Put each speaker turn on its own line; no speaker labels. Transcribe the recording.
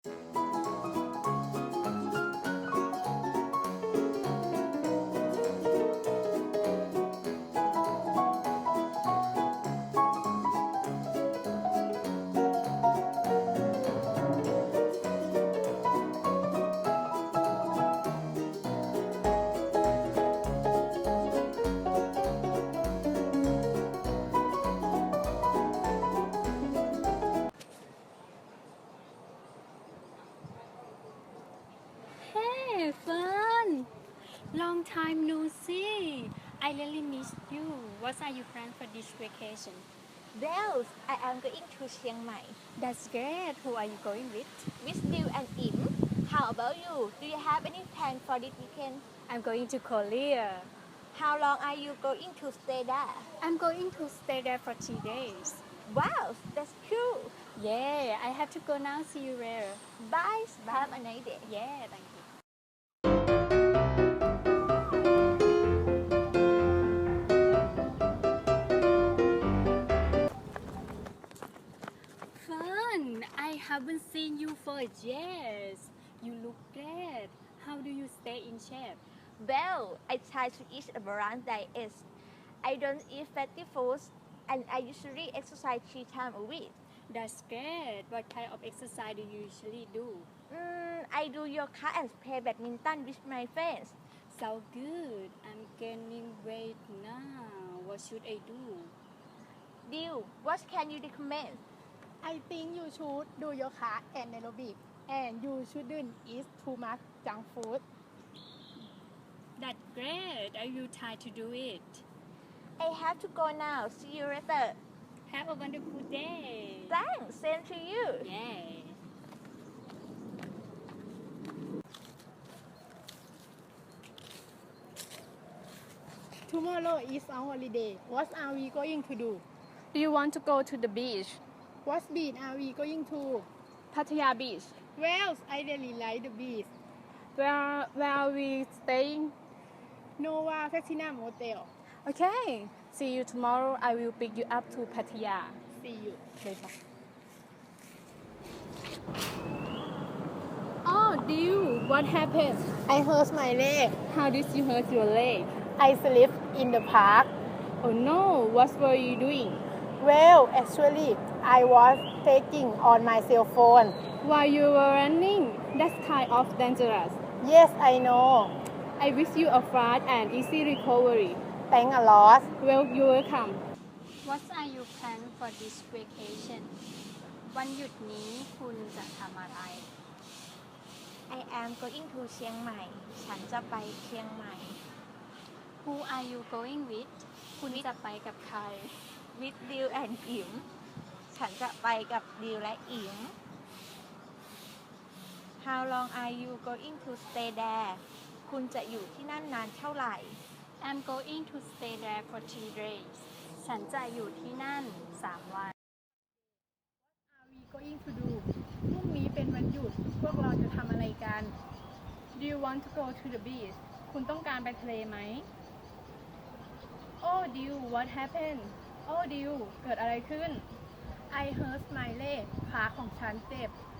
Hey, Fern! Long time no see. I really miss you. What are your plans for this vacation?
Well, I am going to Chiang Mai
That's great. Who are you going with?
with Bill and Im. How about you? Do you have any plan for this weekend?
I'm going to Korea.
How long are you going to stay there?
I'm going to stay there for 3 days.
Wow, that's cool.
Yeah, I have to go now. See you later.
Bye. Have a nice day.
Yeah, thank you. Fun! I haven't seen you for years. You look great. How do you stay in shape?
Well, I try to eat a balanced diet. I don't eat fatty foods and I usually exercise 3 times a week.
That's great. What kind of exercise do you usually do?
I do yoga and play badminton with my friends.
So good. I'm gaining weight now. What should I do?
Bill, what can you recommend?
I think you should do yoga and aerobic, and you shouldn't eat too much junk food.
That's great. I will try to do it.
I have to go now. See you later.
Have a wonderful day.
Thanks. Same to you.
Yeah.
Tomorrow is our holiday. What are we going to do?
Do you want to go to the beach?
What beach are we going to?
Pattaya Beach.
Well, I really like the beach.
Where are we staying?
Nova Platinum Motel.
Okay. See you tomorrow. I will pick you up to Pattaya.
See you.
Later. Oh, Dew, what happened?
I hurt my leg.
How did you hurt your leg?
I slipped in the park.
Oh no, what were you doing?
Well, actually, I was taking on my cell phone.
While you were running? That's kind of dangerous.
Yes, I know.
I wish you a fast and easy recovery.
Thanks a lot.
Well, you're welcome.
What are your plans for this vacation วันหยุดนี้คุณจะทำอะไร
I am going to เชียงใหม่ ฉันจะไปเชียงใหม่
Who are you going with คุณจะไปกับใคร
with Bill and Im ฉันจะไปกับ Bill และ Im How long are you going to stay there คุณจะอยู่ที่นั่นนานเท่าไหร่
I'm going to stay there for 3 days ฉันจะอยู่ที่นั่น 3 วัน
Are we going to do พรุ่งนี้เป็นวันหยุด พวกเราจะทำอะไรกัน
Do you want to go to the beach? คุณต้องการไปทะเลไหม Oh, Dew, what happened? Oh, Dew, เกิดอะไรขึ้น
I hurt my leg ขาของฉันเจ็บ